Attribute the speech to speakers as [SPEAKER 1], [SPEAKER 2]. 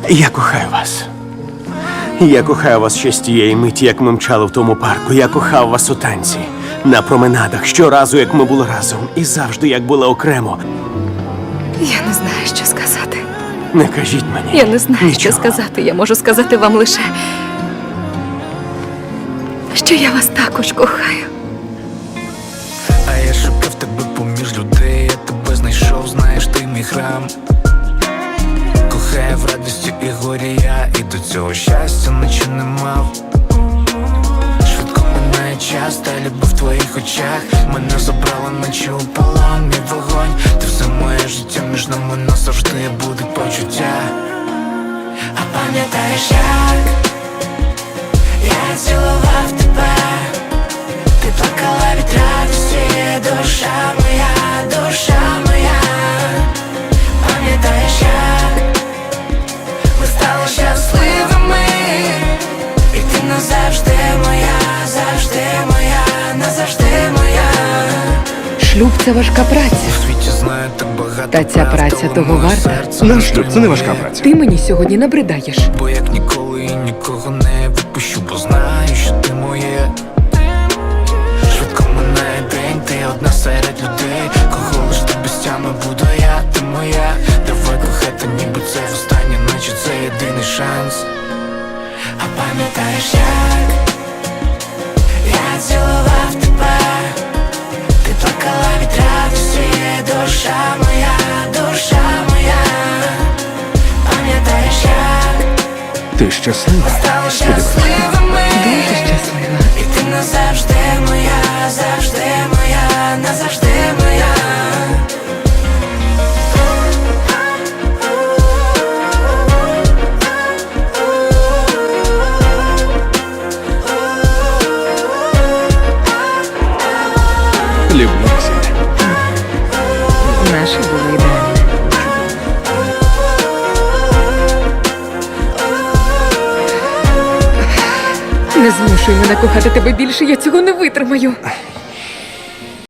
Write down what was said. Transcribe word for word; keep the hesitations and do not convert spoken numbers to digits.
[SPEAKER 1] Я кохаю вас. Я кохаю вас ще з тієї миті, як ми мчали в тому парку. Я кохав вас у танці, на променадах, щоразу, як ми були разом. І завжди, як були окремо.
[SPEAKER 2] Я не знаю, що сказати.
[SPEAKER 1] Не кажіть мені.
[SPEAKER 2] Я не знаю,
[SPEAKER 1] нічого.
[SPEAKER 2] що сказати. Я можу сказати вам лише, що я вас також кохаю.
[SPEAKER 3] А я шукав тебе поміж людей, я тебе знайшов, знаєш, ти мій храм. Кохаю в радості і горі я, і до цього щастя наче не мав. Швидко минає час, та любов в твоїх очах мене забрала, наче у полон, мій вогонь. Ти все моє життя, між нами назавжди буде почуття. А пам'ятаєш, як я цілував тебе, ти плакала від радості, душа моя, душа моя. Пам'ятаєш, як ми стали щасливими, і ти назавжди моя, завжди моя, назавжди моя.
[SPEAKER 2] Шлюб – це важка праця.
[SPEAKER 3] У світі знаю так багато
[SPEAKER 2] Та ця
[SPEAKER 3] правд,
[SPEAKER 2] праця
[SPEAKER 3] але
[SPEAKER 2] того
[SPEAKER 3] моє
[SPEAKER 2] варта.
[SPEAKER 3] серце
[SPEAKER 4] Наш
[SPEAKER 3] не
[SPEAKER 4] шлюб – це не важка
[SPEAKER 3] тримає.
[SPEAKER 4] праця.
[SPEAKER 2] Ти мені сьогодні набридаєш.
[SPEAKER 3] Бо як ніколи і нікого не відпущу, бо знаю, що ти моє. Швидко минає день, ти одна серед людей. Кого лиш ти без тями буду я, ти моя. Давай кохати, ніби це востаннє, наче це єдиний шанс. А пам'ятаєш, як я цілував тебе, ти плакала від радості, душа моя, душа моя. Пам'ятаєш, як
[SPEAKER 4] Ти щаслива?
[SPEAKER 3] стали щасливими,
[SPEAKER 2] Дуже щаслива.
[SPEAKER 3] і ти назавжди моя, завжди моя, назавжди моя.
[SPEAKER 4] Люблю весілля.
[SPEAKER 2] Наше було ідеальне. Не змушуй мене кохати тебе більше, я цього не витримаю.